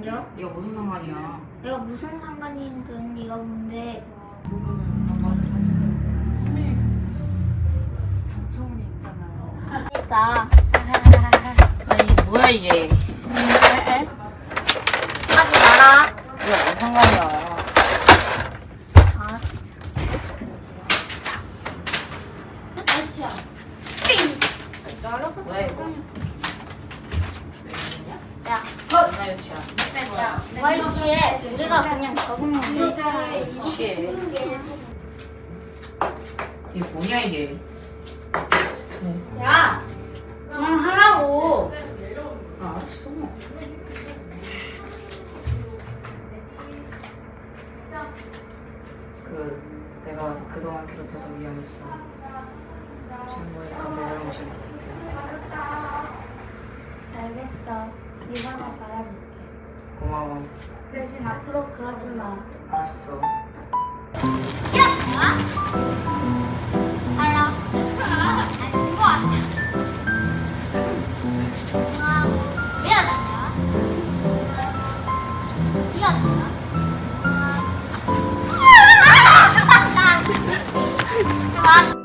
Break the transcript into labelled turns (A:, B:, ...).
A: 뭐요?
B: 이거 무슨 상관이야?
A: 내가 무슨 상관이든 네가 뭔데?
C: 정훈이 있잖아요.
A: 됐다.
B: 아니 뭐야 이게?
A: 하지 마라.
B: 이거 무슨 상관이야?
A: 아,
B: 뭐야 이거?
A: 야,
B: 얼마 유치야?
A: 야, 누가 유치해? 우리가 그냥 적응해.
B: 유치해. 이게 뭐냐 이게?
A: 야, 그냥 하라고.
B: 아 알았어. 내가 그동안 괴롭혀서 미안했어. 지금 보니까 내 잘못인 것 같아.
C: 알겠어. 네가 하나 받아줄게.
B: 고마워.
C: 대신 앞으로 그러지 마.
B: 알았어.
A: 알아? 아니, 그거 아니야. 미안하다. 미안하다. 그만.